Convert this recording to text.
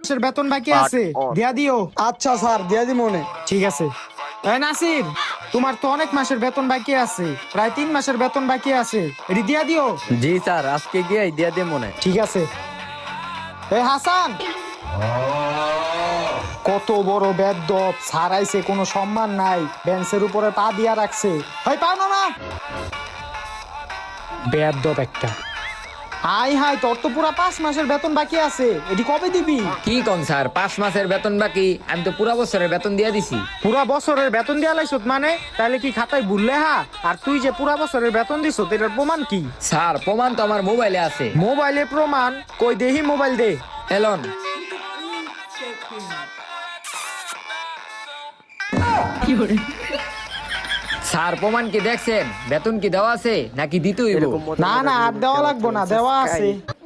মাসের বেতন বাকি আছে, দিয়া দিও। আচ্ছা স্যার, দিয়া দি মনে। ঠিক আছে। এই নাসির, তোমার তো অনেক মাসের বেতন বাকি আছে, প্রায় 3 মাসের বেতন বাকি আছে, এটি দিয়া দিও। জি স্যার, আজকে গিয়ে দিয়া দিয়ে মনে। ঠিক আছে। এই হাসান, কত বড় বেদ্যপ, ছাড়াইছে, কোনো সম্মান নাই, বেঞ্চের উপরে পা দিয়া রাখছে। হয় পাও না বেদ্যপ একটা। হাই হাই, তোর তো পুরা 5 মাসের বেতন বাকি আছে, এটি কবে দিবি? কি কোন স্যার, 5 মাসের বেতন বাকি? আমি তো পুরা বছরের বেতন দিয়ে দিছি। পুরা বছরের বেতন দিয়া লাইছত মানে? তাহলে কি খাতায় ভুললে হা? আর তুই যে পুরা বছরের বেতন দিছ, এটার প্রমাণ কি? স্যার, প্রমাণ তো আমার মোবাইলে আছে। মোবাইলে প্রমাণ? কই দেহি, মোবাইল দে। এলন। স্যার, প্রমাণ কি দেখছেন? বেতন কি দেওয়া আছে নাকি দিতে হইব? না না, আর দেওয়া লাগবো না, দেওয়া আছে।